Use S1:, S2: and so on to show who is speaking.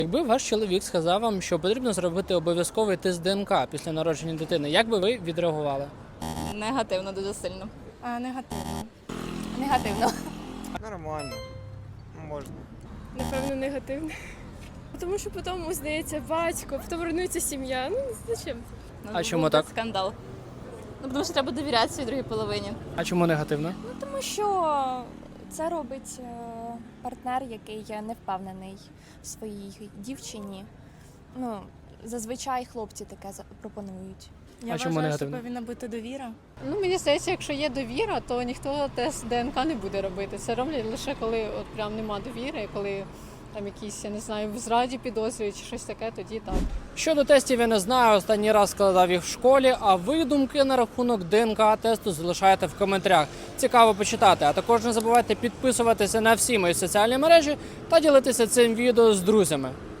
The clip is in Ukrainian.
S1: Якби ваш чоловік сказав вам, що потрібно зробити обов'язковий тест ДНК після народження дитини, як би ви відреагували?
S2: Негативно дуже сильно.
S3: Негативно.
S2: Негативно.
S4: Нормально. Можна.
S5: Напевно, негативне. Тому що потім здається батько, потім руйнується сім'я. Ну, зачем?
S1: А чому
S2: Був
S1: так?
S2: Скандал. Ну, тому що треба довіряти своїй другій половині.
S1: А чому негативно?
S3: Тому що це робить партнер, який не впевнений в своїй дівчині. Ну, зазвичай хлопці таке пропонують.
S1: А чому негативно?
S3: повинна бути довіра.
S5: Ну, мені здається, якщо є довіра, то ніхто тест ДНК не буде робити. Це роблять лише коли от прям нема довіри, коли там якісь, я не знаю, в зраді підозрюють чи щось таке, тоді так.
S1: Щодо тестів я не знаю, останній раз складав їх в школі, а ви думки на рахунок ДНК-тесту залишайте в коментарях. Цікаво почитати. А також не забувайте підписуватися на всі мої соціальні мережі та ділитися цим відео з друзями.